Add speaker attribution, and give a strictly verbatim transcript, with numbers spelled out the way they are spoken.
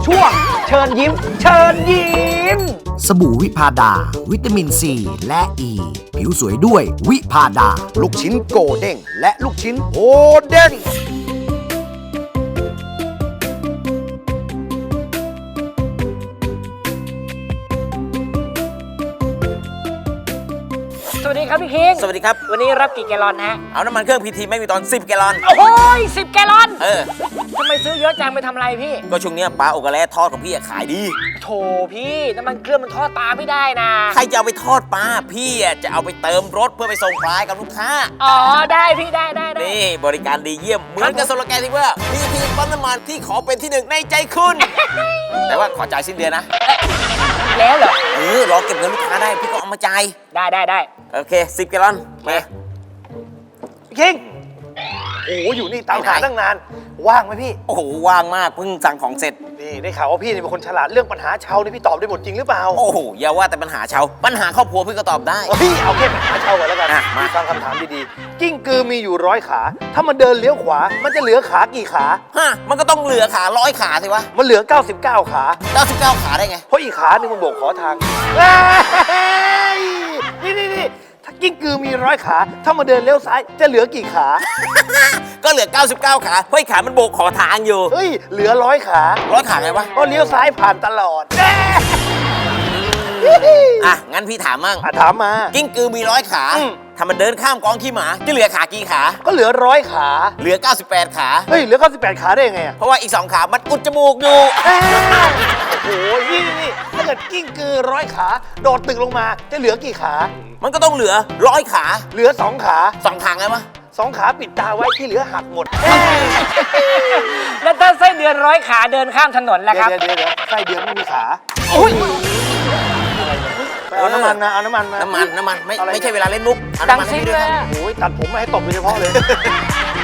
Speaker 1: ช่วงเชิญยิ้มเชิญยิ้ม
Speaker 2: สบู่วิพาดา วิตามินซีและอ e. ีผิวสวยด้วยวิพาดา
Speaker 1: ลูกชิ้นโกเด้งและลูกชิ้นโฮเด้ง
Speaker 3: สวัสดีครับพี่คิง
Speaker 4: สวัสดีครับ
Speaker 3: วันนี้รับกี่แกลลอนฮะ
Speaker 4: เอาน้ำมันเครื่องพีทีไม่มีตอนสิบแกลลอน
Speaker 3: โอ้โหสิบแกลลอน
Speaker 4: เออ
Speaker 3: ทำไมซื้อเยอะจังไปทำอะไรพี่
Speaker 4: ก็ช่วงนี้ปลาโอกาแลทอดของพี่ขายดี
Speaker 3: โถพี่น้ำมันเครื่องมันทอดปลาไม่ได้นะ
Speaker 4: ใครจะเอาไปทอดปลาพี่จะเอาไปเติมรถเพื่อไปส่งปลากับลูกค้า
Speaker 3: อ๋อได้พี่ได้ได้
Speaker 4: นี่บริการดีเยี่ยมเหมือนกับสโลแกนที่ว่าพีทีปั๊มน้ำมันที่ขอเป็นที่หนึ่งในใจคุณแต่ว่าขอจ่ายสิ้นเดือนนะ
Speaker 3: แล้วเหรอ
Speaker 4: เออรอเก็บเงินลูกค้าได้พี่ก็เอามาจ่าย
Speaker 3: ได้ได้ได้
Speaker 4: โอเคสิบแกลลอนมา
Speaker 1: คิงโอ้โหอยู่นี่ตามหาตั้งนานว่างไหมพี่
Speaker 4: โอ้โหว่างมากเพิ่งสั่งของเสร็จ
Speaker 1: นี่ได้ข่าวว่าพี่นี่เป็นคนฉลาดเรื่องปัญหาชาวนี่พี่ตอบได้หมดจริงหรือเปล่า
Speaker 4: โอ้โหอย่าว่าแต่ปัญหาชาวปัญหาครอบครัวพี่ก็ตอบได้
Speaker 1: พี่เอาแค่ปัญหาชาวก่อนแล้วกันมาฟังคำถามดีๆกิ้งกือมีอยู่ร้อยขาถ้ามันเดินเลี้ยวขวามันจะเหลือขากี่ขา
Speaker 4: ฮะมันก็ต้องเหลือขาร้อยขาสิวะ
Speaker 1: มันเหลือเก้าสิบเก้าขา
Speaker 4: เก้าสิบเก้าขาได้ไง
Speaker 1: เพราะอีกขาหนึ่งมันโบกขอทางนี่นี่นี่ถ้ากิ้งกือมีร้อยขาถ้ามันเดินเลี้ยวซ้ายจะเหลือกี่ขา
Speaker 4: ก็เหลือเก้าสิบเก้าขาเพราะขามันโบกขอทางอยู่
Speaker 1: เฮ้ยเหลือร้อยขา
Speaker 4: ร้อยขาไงวะ
Speaker 1: ก็เลี้ยวซ้ายผ่านตลอด
Speaker 4: อ่ะงั้นพี่ถามมั่ง
Speaker 1: อ่ะถามมา
Speaker 4: กิ้งกือมีร้อยขาถ้ามันเดินข้ามกองขี้หมาจะเหลือขากี่ขา
Speaker 1: ก็เหลือร้อยขา
Speaker 4: เหลือเก้าสิบแปดขา
Speaker 1: เฮ้ยเหลือเก้าสิบแปดขาได้ยังไง
Speaker 4: เพราะว่าอีกสองขามันอุดจมูกอยู่
Speaker 1: โอ้ยนี่นี่ถ้าเกิดกิ้งกือร้อยขาโดดตึกลงมาจะเหลือกี่ขา
Speaker 4: มันก็ต้องเหลือร้อยขา
Speaker 1: เหลือสองขา
Speaker 4: สองขาไงวะ
Speaker 1: สองขาปิดตาไว้ที่เหลือหักหมด
Speaker 3: แล้วถ้าไส้เดือนร้อยขาเดินข้ามถนนล่ะครับ
Speaker 1: เดี๋ยวเดี๋ยวเดี๋ยวไส้เดือนไม่มีขาโอ้ยเอาน้ำมันนะเอาน้ำมันมา
Speaker 4: น้ำมันน้ำมันไม่ไม่ใช่เวลาเล่นมุก
Speaker 3: ดังซิ้งเลย
Speaker 1: โอ้ยตัดผมมาให้ตบโดยเฉพาะเลย